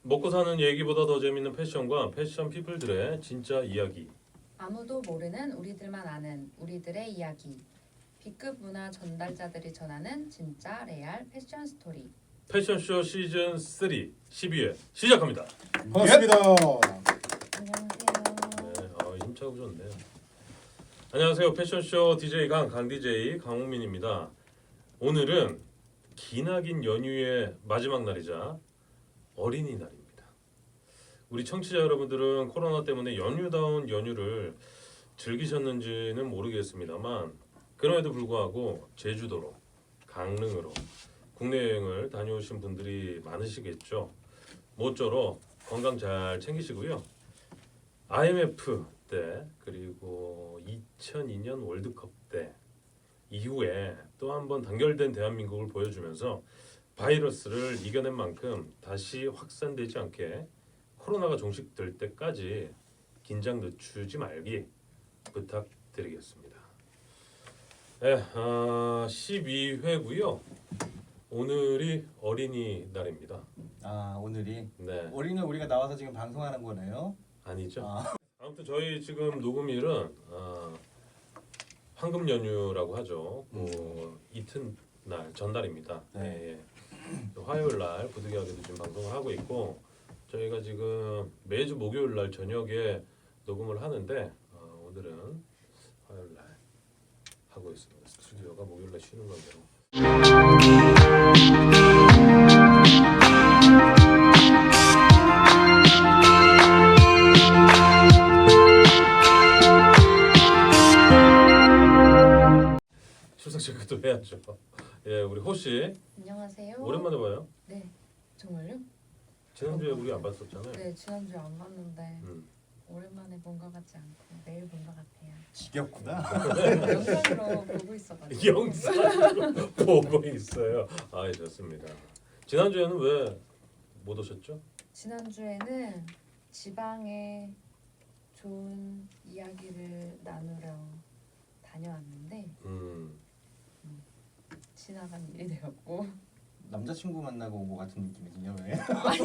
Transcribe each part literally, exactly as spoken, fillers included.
먹고 사는 얘기보다 더 재밌는 패션과 패션 피플들의 진짜 이야기. 아무도 모르는 우리들만 아는 우리들의 이야기. B급 문화 전달자들이 전하는 진짜 레알 패션 스토리. 패션쇼 시즌 삼 십이 회 시작합니다. 반갑습니다. 안녕하세요. 네, 아, 힘차고 좋네요. 안녕하세요. 패션쇼 디제이 강, 강 디제이 강홍민입니다. 오늘은 기나긴 연휴의 마지막 날이자 어린이날입니다. 우리 청취자 여러분들은 코로나 때문에 연휴다운 연휴를 즐기셨는지는 모르겠습니다만 그럼에도 불구하고 제주도로, 강릉으로 국내 여행을 다녀오신 분들이 많으시겠죠. 모쪼록 건강 잘 챙기시고요. 아이엠에프 때 그리고 이천이 년 월드컵 때 이후에 또 한 번 단결된 대한민국을 보여주면서 바이러스를 이겨낸 만큼 다시 확산되지 않게 코로나가 종식될 때까지 긴장 늦추지 말기 부탁드리겠습니다. 네, 아, 십이 회고요. 오늘이 어린이날입니다. 아 오늘이 네, 우리는 우리가 나와서 지금 방송하는 거네요. 아니죠. 아, 아무튼 저희 지금 녹음일은 아, 황금 연휴라고 하죠. 뭐 이튿날 전날입니다. 네. 예, 예. 화요일 날 부득이하게도 지금 방송을 하고 있고 저희가 지금 매주 목요일 날 저녁에 녹음을 하는데 어, 오늘은 화요일 날 하고 있습니다. 스튜디오가 목요일 날 쉬는 건데요. 출석 체크도 해야죠. 예, 우리 호씨 안녕하세요. 오랜만에 봐요. 네, 정말요? 지난주에 우리 안 봤었잖아요. 네, 지난주에 안 봤는데 음. 오랜만에 본 것 같지 않고 매일 본 것 같아요. 지겹구나. 영상으로 보고 있어가지고. 영상으로 보고 있어요. 아, 예, 좋습니다. 지난주에는 왜 못 오셨죠? 지난주에는 지방에 좋은 이야기를 나누러 다녀왔는데 음, 지나간 일이 되었고 남자친구 만나고 온 거 같은 느낌이군요. 왜?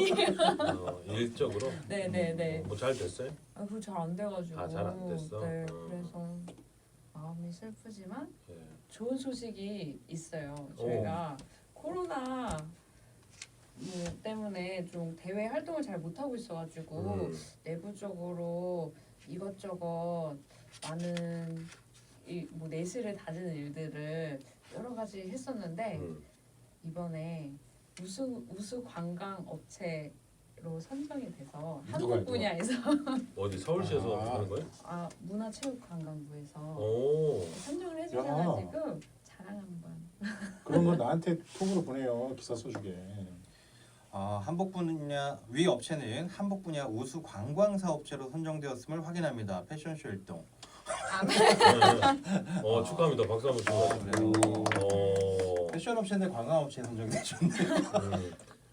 어, 일적으로 네네네. 뭐 잘 됐어요? 아, 그거 잘 안 돼가지고. 아, 잘안 됐어? 네, 어. 그래서 마음이 슬프지만 예. 좋은 소식이 있어요. 저희가 코로나 뭐 때문에 좀 대외 활동을 잘 못하고 있어가지고 음, 내부적으로 이것저것 많은 이 뭐 내실을 다지는 일들을 여러 가지 했었는데 음. 이번에 우수 우수 관광 업체로 선정이 돼서 누가요, 한국 누가? 분야에서 어디 서울시에서 아. 하는 거예요? 아 문화체육관광부에서 오, 선정을 해주셔가지고 자랑 한번. 그런 거 나한테 톡으로 보내요. 기사 써주게. 아 한복 분야 위 업체는 한복 분야 우수 관광 사업체로 선정되었음을 확인합니다. 패션쇼 일동. 아, 네, 네. 어, 축하합니다. 박수 한번 아, 주세요. 그래요? 어, 패션 업체인데 관광 업체 선정되셨네. 음.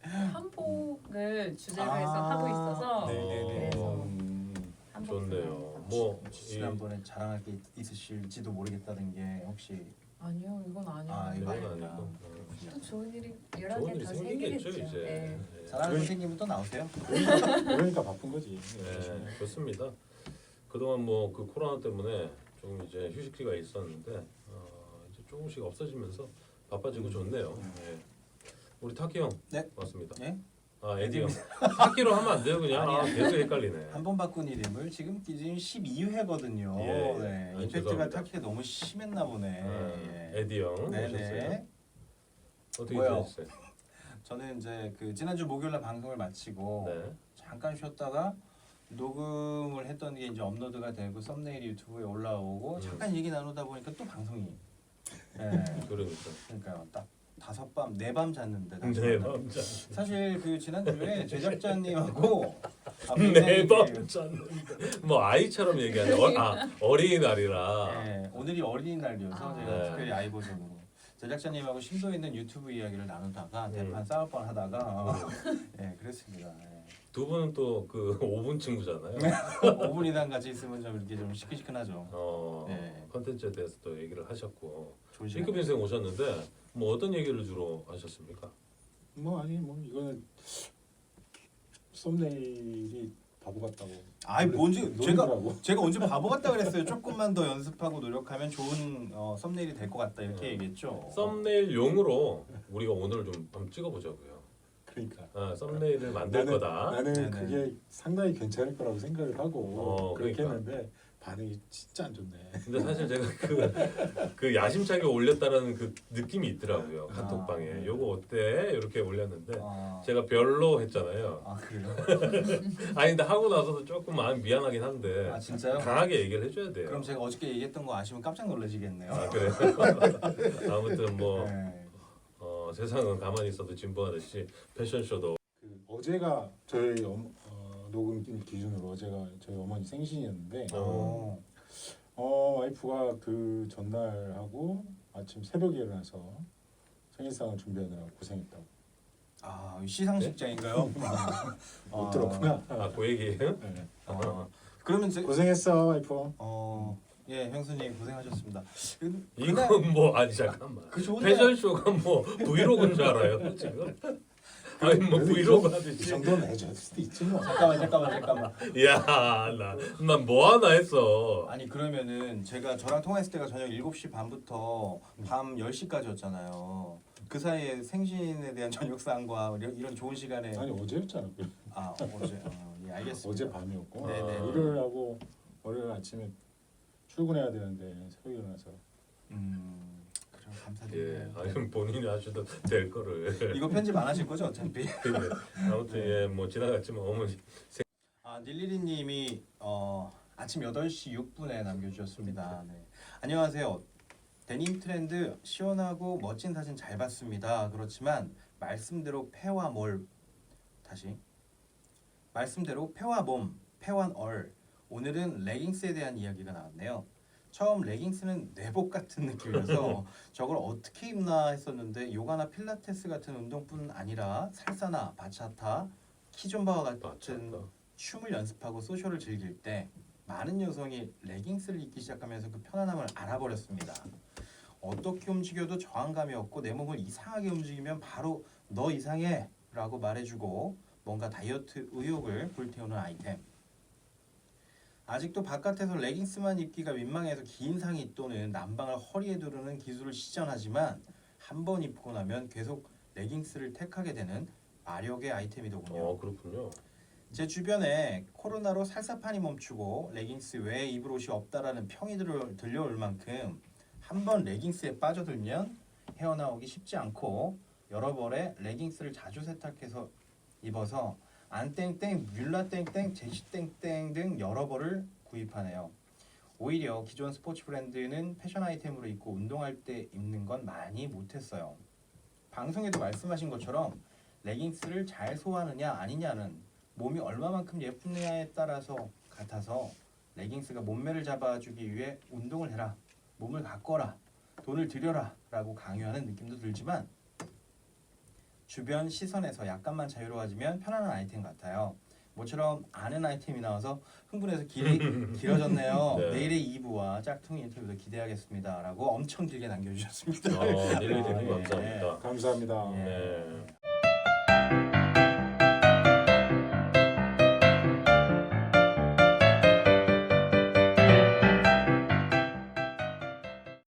한복을 주제로 아, 해서 하고 있어서 네네네. 그래서 음, 한복 좋네요. 분야에서. 뭐 이, 지난번에 자랑할 게 있으실지도 모르겠다는 게 혹시 아니요, 이건 아니에요. 아, 이건 그건 아니구나. 아니고 음. 또 좋은 일이 여러 좋은 개 일이 더 생기겠죠 생기겠죠. 이제. 네. 네. 자랑할 거 생기면 또 나오세요. 그러니까 바쁜 거지. 네, 좋습니다. 그동안 뭐 그 코로나 때문에 좀 이제 휴식기가 있었는데 어, 이제 조금씩 없어지면서 바빠지고 좋네요. 네. 우리 타키 형 네. 맞습니다. 네? 아 에디 형 타키로 하면 안 돼요 그냥. 아, 아니야. 계속 헷갈리네. 한 번 바꾼 이름을 지금 지금 십이 회거든요. 예. 네. 아니, 임팩트가 죄송합니다. 타키가 너무 심했나 보네. 아, 예. 에디 형 오셨어요. 네네. 어떻게 뭐요? 지내셨어요? 저는 이제 그 지난주 목요일날 방송을 마치고 네. 잠깐 쉬었다가 녹음을 했던 게 이제 업로드가 되고 썸네일이 유튜브에 올라오고 음. 잠깐 얘기 나누다 보니까 또 방송이. 예. 그러니까. 그러니까 딱 다섯 밤 네 밤 잤는데 다시 네 만나- 밤 잤. 사실 그 지난주에 제작자님하고 아, 네 굉장히 밤 그- 잤는데 뭐 아이처럼 얘기하네. 어, 아 어린이날이라. 네, 오늘이 어린이날이어서 아. 제가 네. 특별히 아이 버전으로 제작자님하고 심도 있는 유튜브 이야기를 나누다가 음. 대판 싸울 뻔하다가 예 그랬습니다. 두 분은 또 그 오 분 친구잖아요. 오 분 이상 같이 있으면 좀 이렇게 좀 시큰시큰하죠. 어 네. 컨텐츠에 대해서 또 얘기를 하셨고 좋은 시간. B급 인생 오셨는데 뭐 어떤 얘기를 주로 하셨습니까? 뭐 아니 뭐 이거는 썸네일이 바보 같다고. 아이 뭔지 제가 노리더라고. 제가 언제 바보 같다 그랬어요. 조금만 더 연습하고 노력하면 좋은 어, 썸네일이 될 것 같다 이렇게 음. 얘기했죠. 썸네일용으로 우리가 오늘 좀 한번 찍어보자고요. 그러니까 아, 썸네일을 만들 나는, 거다. 나는 네네. 그게 상당히 괜찮을 거라고 생각을 하고 어, 그렇게 그러니까. 했는데 반응이 진짜 안 좋네. 근데 사실 제가 그, 그 야심차게 올렸다라는 그 느낌이 있더라고요. 아, 카톡방에. 네. 요거 어때? 이렇게 올렸는데 아, 제가 별로 했잖아요. 아 그래요? 아니 근데 하고 나서도 조금 마음 미안하긴 한데 아 진짜요? 강하게 얘기를 해줘야 돼요. 그럼 제가 어저께 얘기했던 거 아시면 깜짝 놀라시겠네요. 아 그래. 아무튼 뭐 네. 어, 세상은 가만히 있어도 진보하듯이 패션쇼도 그 어제가 저희 엄, 어, 녹음 기준으로 어제가 저희 어머니 생신이었는데 어. 어 와이프가 그 전날 하고 아침 새벽에 일어나서 생일상을 준비하느라 고생했다고. 아 시상식장인가요? 못 들었구나. 아그 얘기예요? 네. 어, 그러면 제, 고생했어 와이프. 어, 예 형수님 고생하셨습니다. 그, 그날 이건 뭐 아니 잠깐만. 그 좋은 패션쇼가 뭐 브이로그인 줄 알아요 지금? 아니 뭐 그래도 이 브이로그 정도- 이 하듯이. 정도는 해줄 수도 있지 뭐. 잠깐만 잠깐만 잠깐만. 야나난 뭐 하나 했어. 아니 그러면은 제가 저랑 통화했을 때가 저녁 일곱 시 반부터 밤 열 시까지였잖아요. 그 사이에 생신에 대한 저녁 사항과 이런, 이런 좋은 시간에 아니 어제였잖아. 그. 아 어제 어, 예 알겠습니다. 어제 밤이었고 네네. 일요일 하고 월요일 아침에 출근해야 되는데 새벽에 일어나서 음 그럼 예, 감사드려요. 아니 본인이 하셔도 될 거를. 이거 편집 안 하실 거죠 어차피? 예, 아무튼 예, 뭐 지나갔지만 어머니. 아 닐리리님이 어, 아침 여덟 시 육 분에 남겨주셨습니다. 네. 안녕하세요. 데님 트렌드 시원하고 멋진 사진 잘 봤습니다. 그렇지만 말씀대로 폐와 몰 다시 말씀대로 폐와 몸, 폐와 얼 오늘은 레깅스에 대한 이야기가 나왔네요. 처음 레깅스는 내복 같은 느낌이어서 저걸 어떻게 입나 했었는데 요가나 필라테스 같은 운동뿐 아니라 살사나 바차타, 키존바와 같은 맞췄다. 춤을 연습하고 소셜을 즐길 때 많은 여성이 레깅스를 입기 시작하면서 그 편안함을 알아버렸습니다. 어떻게 움직여도 저항감이 없고 내 몸을 이상하게 움직이면 바로 너 이상해 라고 말해주고 뭔가 다이어트 의욕을 불태우는 아이템. 아직도 바깥에서 레깅스만 입기가 민망해서 긴 상의 또는 남방을 허리에 두르는 기술을 시전하지만 한 번 입고 나면 계속 레깅스를 택하게 되는 마력의 아이템이더군요. 어 그렇군요. 제 주변에 코로나로 살사판이 멈추고 레깅스 외에 입을 옷이 없다라는 평이 들어, 들려올 만큼 한 번 레깅스에 빠져들면 헤어나오기 쉽지 않고 여러 벌의 레깅스를 자주 세탁해서 입어서 안땡땡, 뮬라땡땡, 제시땡땡 등 여러 벌을 구입하네요. 오히려 기존 스포츠 브랜드는 패션 아이템으로 입고 운동할 때 입는 건 많이 못했어요. 방송에도 말씀하신 것처럼 레깅스를 잘 소화하느냐 아니냐는 몸이 얼마만큼 예쁘냐에 따라서 같아서 레깅스가 몸매를 잡아주기 위해 운동을 해라, 몸을 가꿔라, 돈을 들여라 라고 강요하는 느낌도 들지만 주변 시선에서 약간만 자유로워지면 편안한 아이템 같아요. 모처럼 아는 아이템이 나와서 흥분해서 길이 길어졌네요. 네. 내일의 이 부와 짝퉁 인터뷰도 기대하겠습니다 라고 엄청 길게 남겨주셨습니다. 어, 닐리님 네. 감사합니다. 감사합니다. 예. 네.